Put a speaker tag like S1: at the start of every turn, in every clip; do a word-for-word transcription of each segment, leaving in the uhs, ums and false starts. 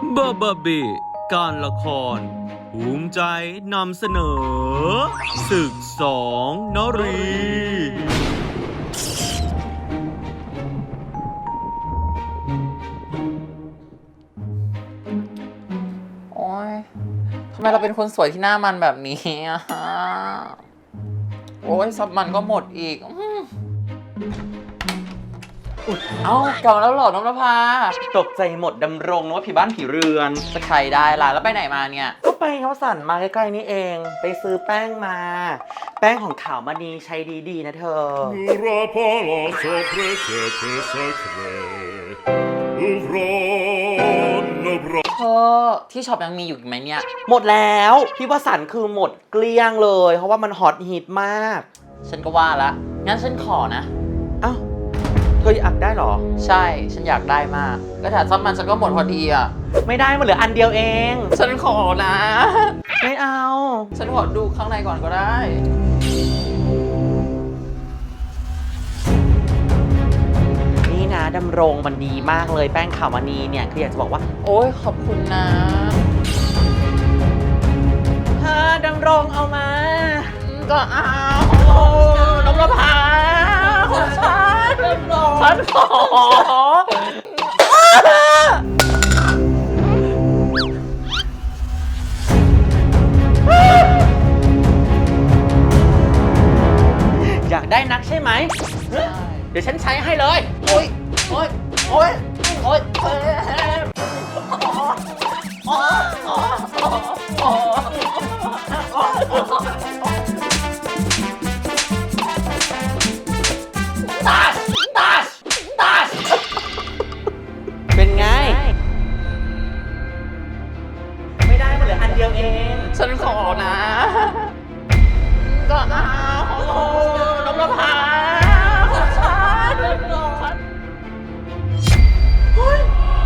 S1: บาบาเบการละครภูมิใจนำเสนอศึกสองนรี
S2: โอ๊ยทำไมเราเป็นคนสวยที่หน้ามันแบบนี้อะโอ๊ยซับมันก็หมดอีกอืมเอ้ากลับมาแล้วเหรอน้องนภาตกใจหมดดำรงนึกว่าผีบ้านผีเรือนจะใครได้ล่ะแล้วไปไหนมาเนี่ยก็ไปเขาสั่นมาใกล้ๆนี่เองไปซื้อแป้งมา แป้งของขาวมณีใช้ดีๆนะเธอ
S3: N'aura pas la sorpresa sacrée. Ouvrons nos bras.
S2: เธอที่ช็อปยังมีอยู่อีกไหมเนี่ยหมดแล้วพี่ว่าสันคือหมดเกลี้ยงเลยเพราะว่ามันฮอตฮิตมาก ฉันก็ว่าละงั้นฉันขอนะเอ้าเธออยากได้เหรอใช่ฉันอยากได้มากก็ถ้าซับมันฉันก็หมดพอดีอ่ะไม่ได้มันเหลืออันเดียวเองฉันขอนะไม่เอาฉันขอดูข้างในก่อนก็ได้นี่นะดำรงมันดีมากเลยแป้งขาวมณีเนี่ยคืออยากจะบอกว่าโอ๊ยขอบคุณนะเธอดำรงเอามาก็เอาน้องระพาของฉันฉันขออยากได้นักใช่ไหมเดี๋ยวฉันใช้ให้เลยโอ๊ยโอ๊ยโอ๊ยโอ๊ยโอ๊ยตัชตัชตัชเป็นไงไม่ได้มันเหลืออันเดียวเองฉันขอนะก็เอาน้องระพาของฉันเฮ้ย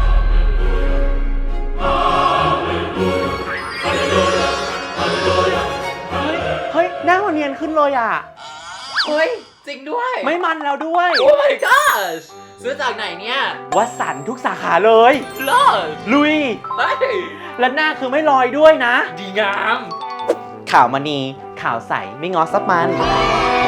S2: เฮ้ยหน้ามันเนียนขึ้นเลยอ่ะเฮ้ยจริงด้วยไม่มันแล้วด้วยโอ้ my gosh ซื้อจากไหนเนี่ยวัสันทุกสาขาเลยเลิศลุยเฮ้ยและหน้าคือไม่ลอยด้วยนะดีงามขาวมณีขาวใสไม่งอซับมัน